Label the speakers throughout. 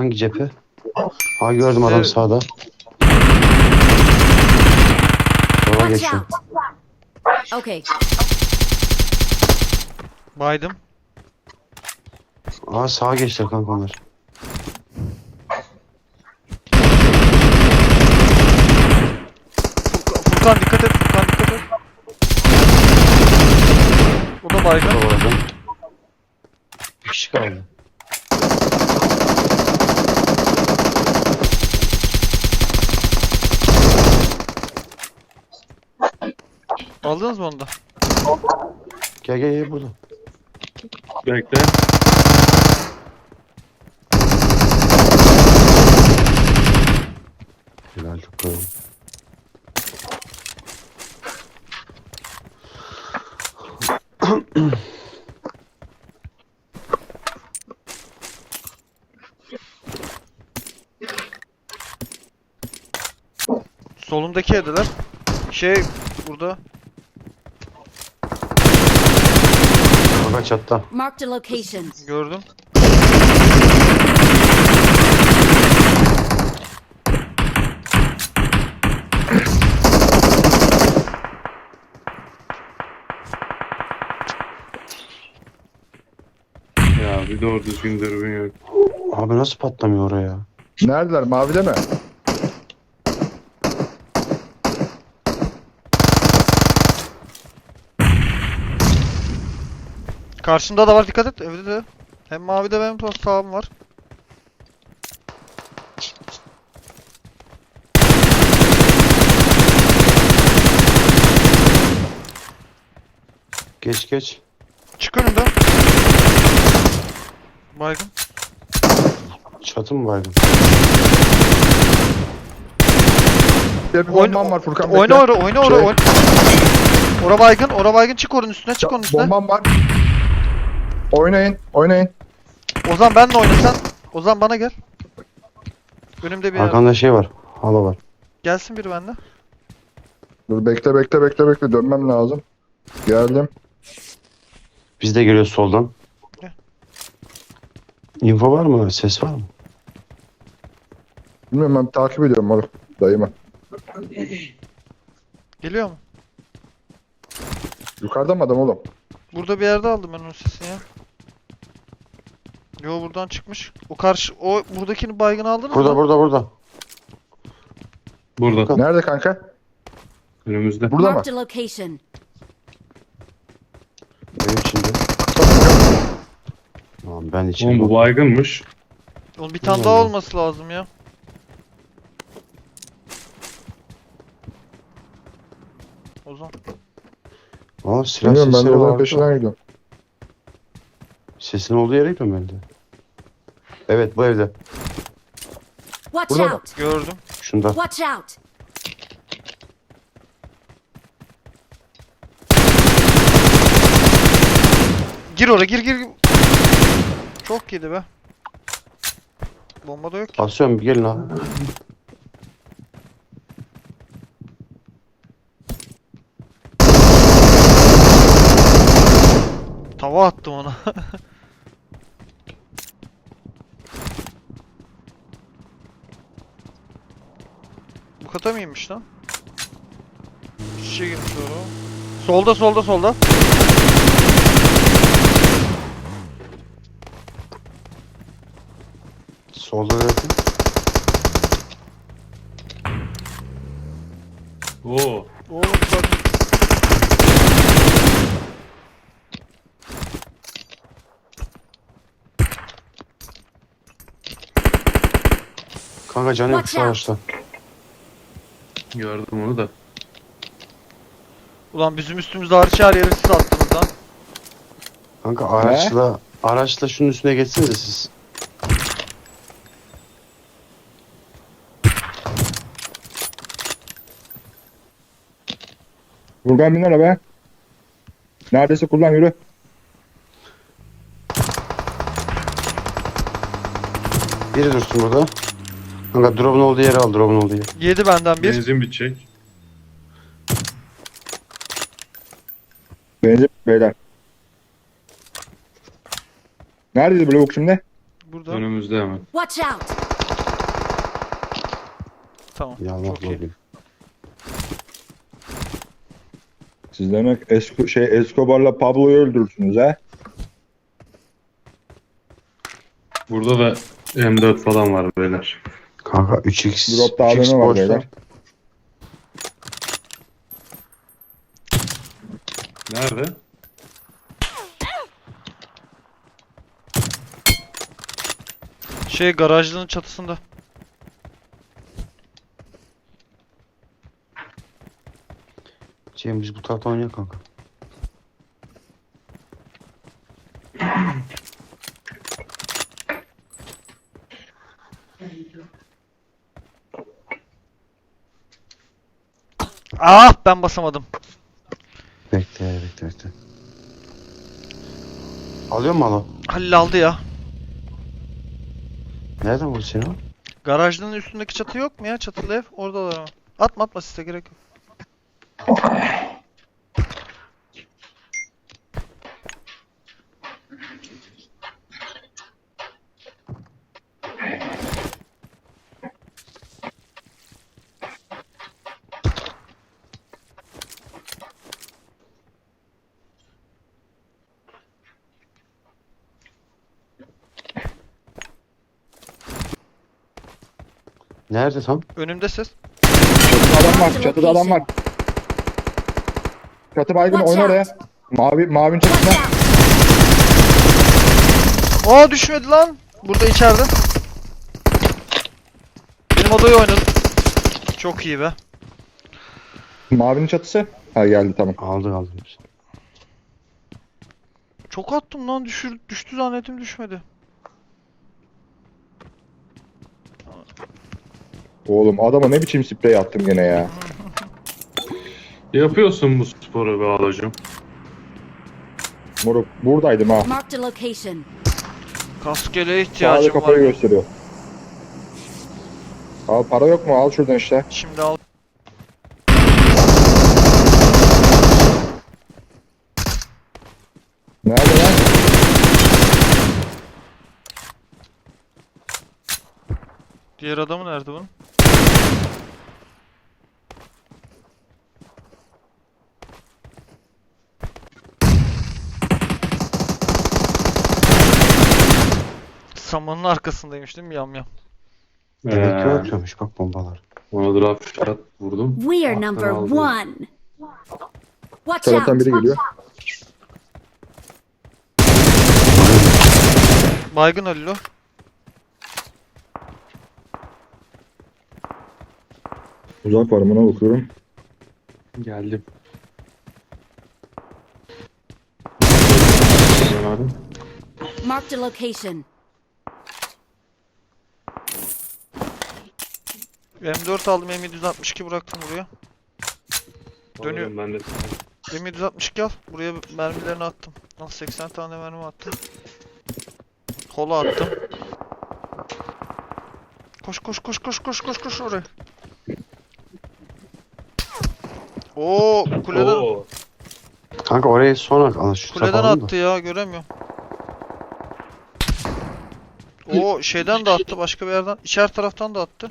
Speaker 1: Hangi cephe? Ha gördüm adam sağda. Sola
Speaker 2: Watch
Speaker 1: geçiyor.
Speaker 2: out. Okay.
Speaker 3: Baydım.
Speaker 1: Aa sağa geçti kanka onlar.
Speaker 3: Furkan dikkat et. Furkan dikkat et. O da baygın.
Speaker 1: Doğru. Bir kişi kaldı.
Speaker 3: Aldınız mı onu da?
Speaker 1: Gel gel gel burada.
Speaker 4: Bekle.
Speaker 1: Helal çok koyalım.
Speaker 3: Solundaki evdeler. Burada.
Speaker 1: Kanka çatta.
Speaker 2: Marked a location.
Speaker 3: Gördüm.
Speaker 4: Ya bir doğru düzgün dürbün yok.
Speaker 1: Abi nasıl patlamıyor oraya?
Speaker 5: Neredeler? Mavide mi?
Speaker 3: Karşında da var, dikkat et. Evde de. Hem mavide benim sağım var.
Speaker 1: Geç geç.
Speaker 3: Çık önümden. Baygın.
Speaker 1: Çatı mı baygın?
Speaker 5: Bir bombam var Furkan.
Speaker 3: Oyna
Speaker 5: bekle.
Speaker 3: oyna oyna
Speaker 5: Şey-
Speaker 3: oyna. Ora baygın, ora baygın, çık oranın üstüne.
Speaker 5: Bombam var. Oynayın, oynayın.
Speaker 3: Ozan benle oyna sen. Ozan bana gel. Önümde bir yer.
Speaker 1: Arkanda şey var. Hala var.
Speaker 3: Gelsin biri bende.
Speaker 5: Dur bekle. Dönmem lazım. Geldim.
Speaker 1: Biz de geliyoruz soldan.
Speaker 3: Gel.
Speaker 1: Info var mı? Ses var mı?
Speaker 5: Bilmiyorum, ben takip ediyorum oğlum. Dayımı.
Speaker 3: Geliyor mu?
Speaker 5: Yukarıda mı adam oğlum?
Speaker 3: Burada bir yerde aldım ben onun sesini ya. Yo, buradan çıkmış. O buradakini baygın aldınız
Speaker 1: Burada
Speaker 3: mı?
Speaker 1: burada.
Speaker 4: Burada.
Speaker 5: Nerede kanka?
Speaker 4: Önümüzde.
Speaker 5: Burada mı?
Speaker 2: Marked a location.
Speaker 1: Benim içinde. Tamam ben içinde.
Speaker 4: Oğlum bu baygınmış.
Speaker 3: Oğlum bir tane daha olması lazım ya. Ozan.
Speaker 1: Aa silah
Speaker 5: Bilmiyorum, ben de
Speaker 1: sesleri
Speaker 5: odanın
Speaker 1: var.
Speaker 5: peşinden gidiyorum.
Speaker 1: Sesin olduğu yere gidiyorum ben de. Evet bu evde.
Speaker 2: Watch
Speaker 5: Burada mı?
Speaker 2: out.
Speaker 3: Gördüm.
Speaker 1: Şunda.
Speaker 2: Watch out.
Speaker 3: Gir oraya, gir. Çok yedi be. Bomba da yok ki.
Speaker 1: Basıyorum bir gelin abi.
Speaker 3: Tava attım ona. Bu kata mıymış lan? Şişe girmiş doğru. Solda.
Speaker 1: Solda da yakın.
Speaker 4: Oo.
Speaker 3: Oğlum bak.
Speaker 1: Kanka canı yok şu
Speaker 2: Watch out.
Speaker 1: araçta.
Speaker 4: Gördüm onu da.
Speaker 3: Ulan bizim üstümüzde hariç her yeri siz attınız lan.
Speaker 1: Kanka araçla şunun üstüne geçsinize siz.
Speaker 5: Furkan bin arabaya. Neredeyse kullan, yürü.
Speaker 1: Biri dursun burada. Kanka drop'un olduğu yere al, drop'un olduğu yere.
Speaker 3: Yedi benden bir.
Speaker 4: Benzin bitecek.
Speaker 5: Benzin beyler. Neredeydi bu lavuk şimdi?
Speaker 3: Burada.
Speaker 4: Önümüzde hemen.
Speaker 2: Watch out!
Speaker 3: Tamam.
Speaker 1: Ya
Speaker 3: Çok iyi.
Speaker 5: Siz demek Escobar'la Pablo'yu öldürürsünüz ha?
Speaker 4: Burada da M4 falan var beyler.
Speaker 1: Kanka 3x.
Speaker 5: Drop'ta
Speaker 1: 3x
Speaker 5: AVM var
Speaker 1: boşta.
Speaker 5: beyler.
Speaker 4: Nerede?
Speaker 3: Garajlığın çatısında.
Speaker 1: Cem biz bu tarafta oynayalım kanka.
Speaker 3: Ah, ben basamadım.
Speaker 1: Bekle. Alıyor mu alo?
Speaker 3: Halil aldı ya.
Speaker 1: Nereden vurdu seni o?
Speaker 3: Garajlığın üstündeki çatı yok mu ya? Çatılı ev. Oradalar ama. Atma size gerek yok.
Speaker 1: Nerede tam?
Speaker 3: Önümde ses.
Speaker 5: Çatıda adam var. Çatıda adam var. Çatı baygın
Speaker 2: Watch
Speaker 5: oyna oraya. Mavinin çatısına.
Speaker 2: Watch out!
Speaker 3: Aa, düşmedi lan. Burada içeride. Benim odayı oynadım. Çok iyi be.
Speaker 5: Mavinin çatısı. Ha geldi tamam.
Speaker 1: Aldık.
Speaker 3: Çok attım lan. Düştü zannettim, düşmedi.
Speaker 5: Oğlum adama ne biçim sprey attım gene ya.
Speaker 4: Yapıyorsun bu sporu be alacım.
Speaker 5: Moruk buradaydım ha.
Speaker 2: Marked a location.
Speaker 3: Kaskele
Speaker 5: Sağda
Speaker 3: ihtiyacım
Speaker 5: kafayı
Speaker 3: var.
Speaker 5: gösteriyor. Al para yok mu? Al şuradan işte.
Speaker 3: Şimdi al.
Speaker 5: Nerede lan?
Speaker 3: Diğer adamı nerede bunun? Samanın arkasındaymış değil mi? Yam.
Speaker 1: Demek ki atıyormuş bak bombalar.
Speaker 4: Ona draft shot vurdum.
Speaker 2: We are
Speaker 4: Alttan
Speaker 2: number
Speaker 4: aldım.
Speaker 2: 1. Watch
Speaker 5: Taraftan
Speaker 2: out!
Speaker 5: biri geliyor.
Speaker 3: Baygın Halil o.
Speaker 5: Uzak var buna bakıyorum.
Speaker 4: Geldim.
Speaker 2: Marked a location.
Speaker 3: M4 aldım, M762 bıraktım buraya. Dönüyor.
Speaker 4: Alıyorum ben de.
Speaker 3: M762 al. Buraya mermilerini attım. Al, 80 tane mermi attım. Kola attım. Koş oraya. Oo, kuleden
Speaker 4: Oo.
Speaker 1: Kanka oraya sonra şu
Speaker 3: kuleden
Speaker 1: sapalım da.
Speaker 3: attı ya, göremiyorum. O şeyden de attı, başka bir yerden. İçer taraftan da attı.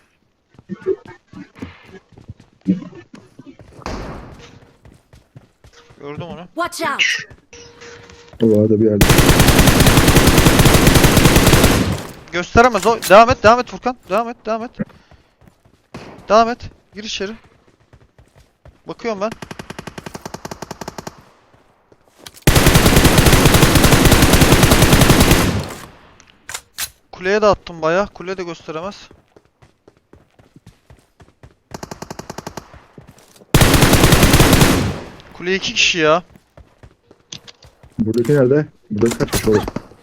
Speaker 3: Gördüm onu.
Speaker 2: Watch out!
Speaker 5: O arada bir yerde.
Speaker 3: Gösteremez o. Devam et Furkan. Devam et. Devam et. Gir içeri. Bakıyorum ben. Kuleye de attım bayağı. Kule de gösteremez. Kule 2 kişi ya.
Speaker 5: Buradaki nerede? Buradaki kaç kişi olur?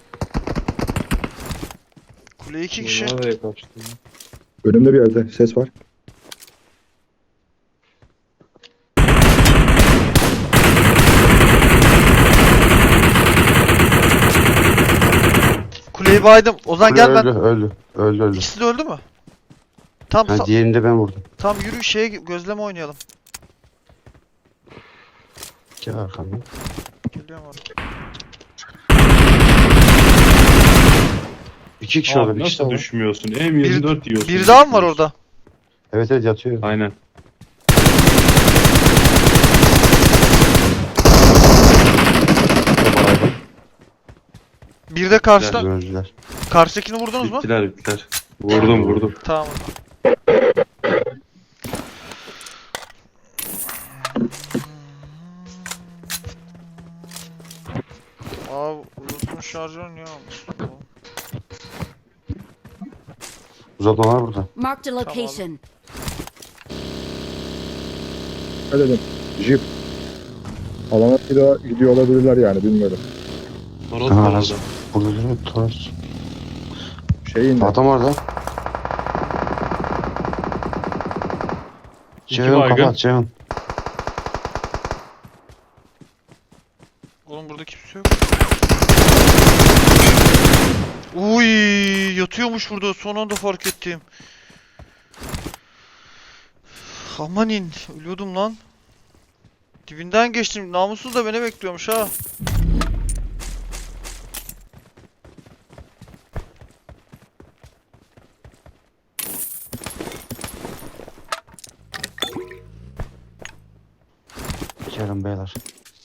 Speaker 3: Kule 2 kişi.
Speaker 4: Nereye kaçtı?
Speaker 5: Önümde bir yerde ses var.
Speaker 3: Kuleyi baydım. Ozan gel ben.
Speaker 1: Öldü.
Speaker 3: İkisi de öldü mü? Tamam,
Speaker 1: Ha, diğerini de ben vurdum.
Speaker 3: tam yürü gözleme oynayalım.
Speaker 1: Gel arkamdan.
Speaker 3: Geliyorum abi.
Speaker 1: İki kişi orada,
Speaker 4: Abi
Speaker 1: bir kişi
Speaker 4: nasıl
Speaker 1: daha var.
Speaker 4: düşmüyorsun? M24 yiyorsun.
Speaker 3: Bir daha mı var orada?
Speaker 1: Evet evet yatıyor.
Speaker 4: Aynen.
Speaker 1: Baygın.
Speaker 3: Bir de karşıda.
Speaker 1: Öldüler.
Speaker 3: Karşıdakini vurdunuz mu?
Speaker 4: Bittiler. Vurdum.
Speaker 3: Tamam. Abi unutmuş şarjör niye almış?
Speaker 1: Uzatma var burada.
Speaker 2: Marked a location.
Speaker 5: Ne dedim? Jeep. Alana bir daha gidiyor olabilirler yani bilmiyorum.
Speaker 4: Toros
Speaker 1: Aha,
Speaker 4: var
Speaker 1: nasıl?
Speaker 4: orada.
Speaker 1: Burada duruyor. Toros.
Speaker 5: Şeyin de.
Speaker 1: Adam orada.
Speaker 4: İki
Speaker 1: Ceyhun
Speaker 4: baygın.
Speaker 1: kapat Ceyhun.
Speaker 3: Oğlum burada kimse yok. Uy, yatıyormuş burada. Son anda fark ettim. Amanin, ölüyordum lan. Dibinden geçtim. Namussuz da beni bekliyormuş ha.
Speaker 1: Gelin beyler.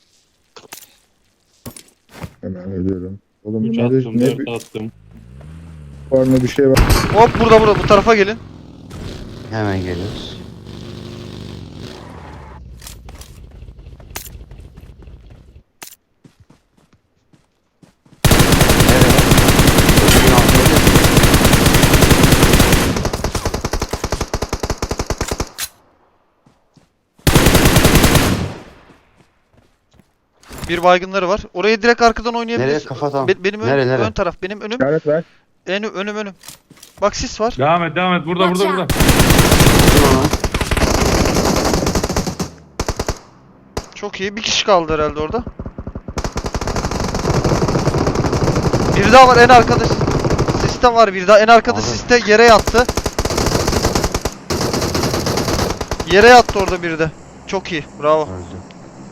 Speaker 5: Hemen ölüyorum. Oğlum
Speaker 4: 3
Speaker 5: bunlarda
Speaker 4: attım,
Speaker 5: ne
Speaker 4: 4 attım.
Speaker 5: var ne bir şey var.
Speaker 3: Hop burada bu tarafa gelin.
Speaker 1: Hemen geliyoruz.
Speaker 3: Bir baygınları var. Orayı direkt arkadan
Speaker 1: Nereye
Speaker 3: oynayabiliriz.
Speaker 1: kafa atalım?
Speaker 3: Benim
Speaker 1: Nereye?
Speaker 3: ön taraf. Benim önüm.
Speaker 5: İşaret ver.
Speaker 3: Önüm. Bak sis var.
Speaker 4: Devam et. Burada.
Speaker 2: Watch out.
Speaker 3: Çok iyi. Bir kişi kaldı herhalde orada. Bir daha var en arkada. Siste var bir daha. En arkada
Speaker 1: Abi.
Speaker 3: siste yere yattı. Yere yattı orada biri de. Çok iyi. Bravo.
Speaker 1: Öldü.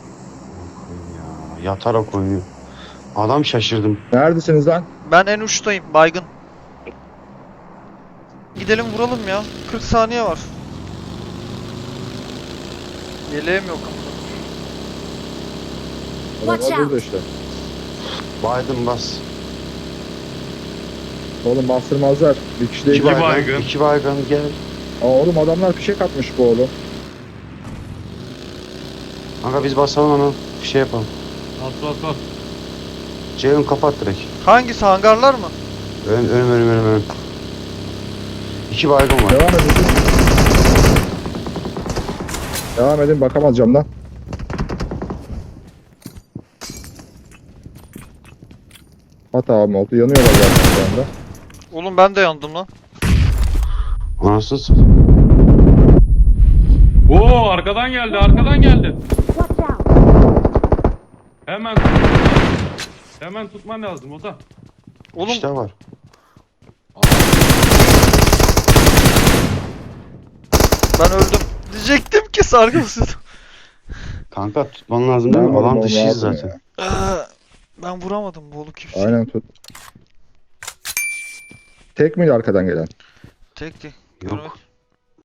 Speaker 1: Ya, yatarak oynuyor. Adam şaşırdım.
Speaker 5: Neredesiniz lan?
Speaker 3: Ben en uçtayım. Baygın. Gidelim vuralım ya. 40 saniye var. Yeleğim yok.
Speaker 5: Adamlar
Speaker 2: Watch out.
Speaker 5: burada işte.
Speaker 1: Biden bas.
Speaker 5: Oğlum bastırmazlar. Bir kişi değil.
Speaker 4: İki baygın.
Speaker 1: İki baygın gel.
Speaker 5: Aa, oğlum adamlar fişek atmış bu oğlum.
Speaker 1: Kanka biz basalım onu. Bir şey yapalım.
Speaker 4: Bas.
Speaker 1: Ceyhun kapat direkt.
Speaker 3: Hangisi? Hangarlar mı?
Speaker 1: Önüm. İki baygın var.
Speaker 5: Devam edin. Devam edin bakamaz camdan. Hata mı oldu? Yanıyorlar zaten şu anda.
Speaker 3: Oğlum ben de yandım lan.
Speaker 1: Anasını satayım.
Speaker 4: Oo, arkadan geldi.
Speaker 2: Watch out.
Speaker 4: Hemen tutman lazım Ota.
Speaker 3: Oğlum
Speaker 1: İşte var.
Speaker 3: ben öldüm. Diyecektim ki sargısız.
Speaker 1: Kanka tutman lazım değil mi?
Speaker 5: Tamam,
Speaker 1: Alan
Speaker 5: oğlum,
Speaker 1: dışıyız
Speaker 5: abi
Speaker 1: zaten.
Speaker 3: Ben vuramadım bu oğlu kimse.
Speaker 5: Aynen tut. Tek miydi arkadan gelen?
Speaker 3: Tekti.
Speaker 1: Yok.